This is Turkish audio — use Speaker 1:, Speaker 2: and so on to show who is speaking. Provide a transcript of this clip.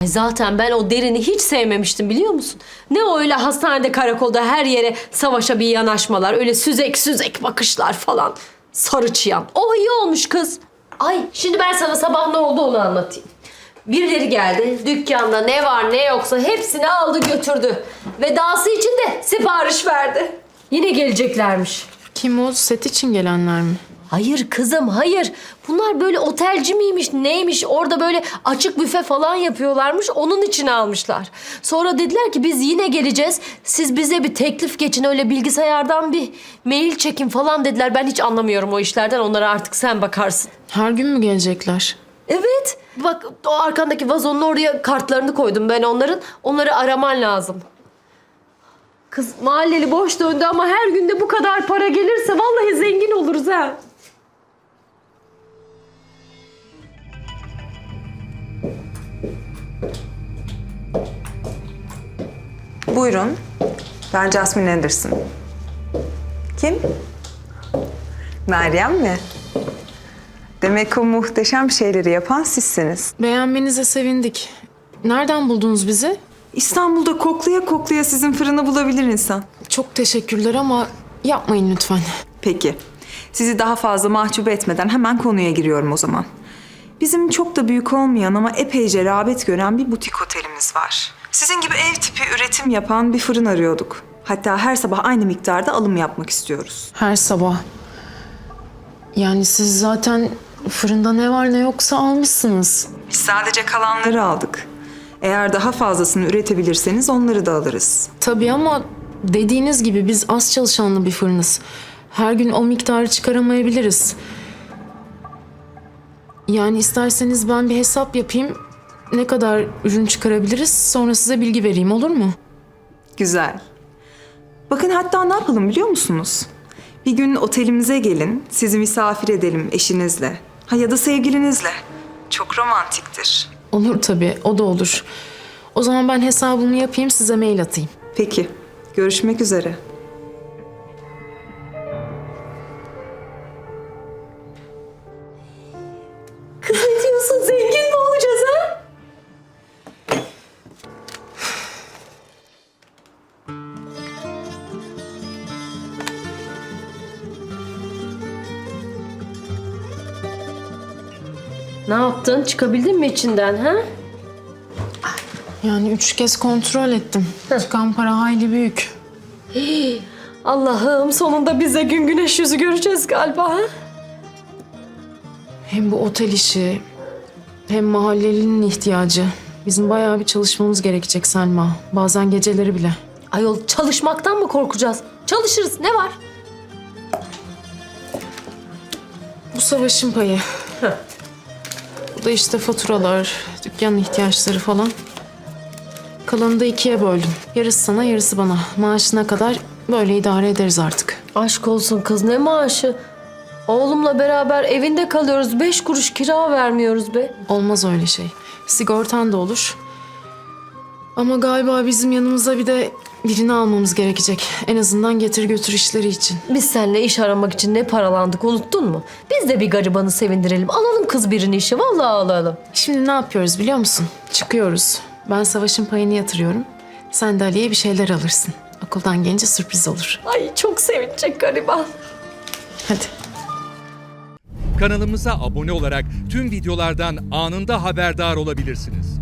Speaker 1: Zaten ben o Derin'i hiç sevmemiştim biliyor musun? Ne o öyle hastanede, karakolda her yere savaşa bir yanaşmalar, öyle süzek süzek bakışlar falan. Sarı çıyan. O iyi olmuş kız. Ay şimdi ben sana sabah ne oldu onu anlatayım. Birileri geldi, dükkanda ne var ne yoksa hepsini aldı götürdü. Ve dahası için de sipariş verdi. Yine geleceklermiş.
Speaker 2: Kim o? Set için gelenler mi?
Speaker 1: Hayır kızım, hayır. Bunlar böyle otelci miymiş, neymiş? Orada böyle açık büfe falan yapıyorlarmış. Onun için almışlar. Sonra dediler ki biz yine geleceğiz. Siz bize bir teklif geçin, öyle bilgisayardan bir mail çekin falan dediler. Ben hiç anlamıyorum o işlerden. Onlara artık sen bakarsın.
Speaker 2: Her gün mü gelecekler?
Speaker 1: Evet. Bak o arkandaki vazonun oraya kartlarını koydum ben onların. Onları araman lazım. Kız mahalleli boş döndü ama her günde bu kadar para gelirse vallahi zengin oluruz ha.
Speaker 3: Buyurun. Ben Jasmine Anderson. Kim? Meryem mi? Demek o muhteşem şeyleri yapan sizsiniz.
Speaker 2: Beğenmenize sevindik. Nereden buldunuz bizi?
Speaker 3: İstanbul'da koklaya koklaya sizin fırını bulabilir insan.
Speaker 2: Çok teşekkürler ama yapmayın lütfen.
Speaker 3: Peki. Sizi daha fazla mahcup etmeden hemen konuya giriyorum o zaman. Bizim çok da büyük olmayan ama epeyce rağbet gören bir butik otelimiz var. Sizin gibi ev tipi üretim yapan bir fırın arıyorduk. Hatta her sabah aynı miktarda alım yapmak istiyoruz.
Speaker 2: Her sabah. Yani siz zaten fırında ne var ne yoksa almışsınız.
Speaker 3: Biz sadece kalanları aldık. Eğer daha fazlasını üretebilirseniz onları da alırız.
Speaker 2: Tabii ama dediğiniz gibi biz az çalışanlı bir fırınız. Her gün o miktarı çıkaramayabiliriz. Yani isterseniz ben bir hesap yapayım. Ne kadar ürün çıkarabiliriz sonra size bilgi vereyim, olur mu?
Speaker 3: Güzel. Bakın hatta ne yapalım biliyor musunuz? Bir gün otelimize gelin, sizi misafir edelim eşinizle. Ha ya da sevgilinizle. Çok romantiktir.
Speaker 2: Olur tabii, o da olur. O zaman ben hesabımı yapayım, size mail atayım.
Speaker 3: Peki, görüşmek üzere.
Speaker 1: Kız ne diyorsun? Zengin mi olacağız ha? Ne yaptın? Çıkabildin mi içinden ha?
Speaker 2: Yani 3 kez kontrol ettim. Çıkan para hayli büyük.
Speaker 1: Allah'ım sonunda bize gün güneş yüzü göreceğiz galiba ha?
Speaker 2: Hem bu otel işi, hem mahallelinin ihtiyacı. Bizim bayağı bir çalışmamız gerekecek Selma. Bazen geceleri bile.
Speaker 1: Ayol çalışmaktan mı korkacağız? Çalışırız ne var?
Speaker 2: Bu savaşın payı. Bu da işte faturalar, dükkanın ihtiyaçları falan. Kalanını da 2'ye böldüm. Yarısı sana, yarısı bana. Maaşına kadar böyle idare ederiz artık.
Speaker 1: Aşk olsun kız ne maaşı? Oğlumla beraber evinde kalıyoruz. 5 kuruş kira vermiyoruz be.
Speaker 2: Olmaz öyle şey. Sigortan da olur. Ama galiba bizim yanımıza bir de birini almamız gerekecek. En azından getir götür işleri için.
Speaker 1: Biz seninle iş aramak için ne paralandık unuttun mu? Biz de bir garibanı sevindirelim. Alalım kız birini işe. Vallahi alalım.
Speaker 2: Şimdi ne yapıyoruz biliyor musun? Çıkıyoruz. Ben Savaş'ın payını yatırıyorum. Sen de Ali'ye bir şeyler alırsın. Okuldan gelince sürpriz olur.
Speaker 1: Ay çok sevinecek gariban.
Speaker 2: Hadi.
Speaker 4: Kanalımıza abone olarak tüm videolardan anında haberdar olabilirsiniz.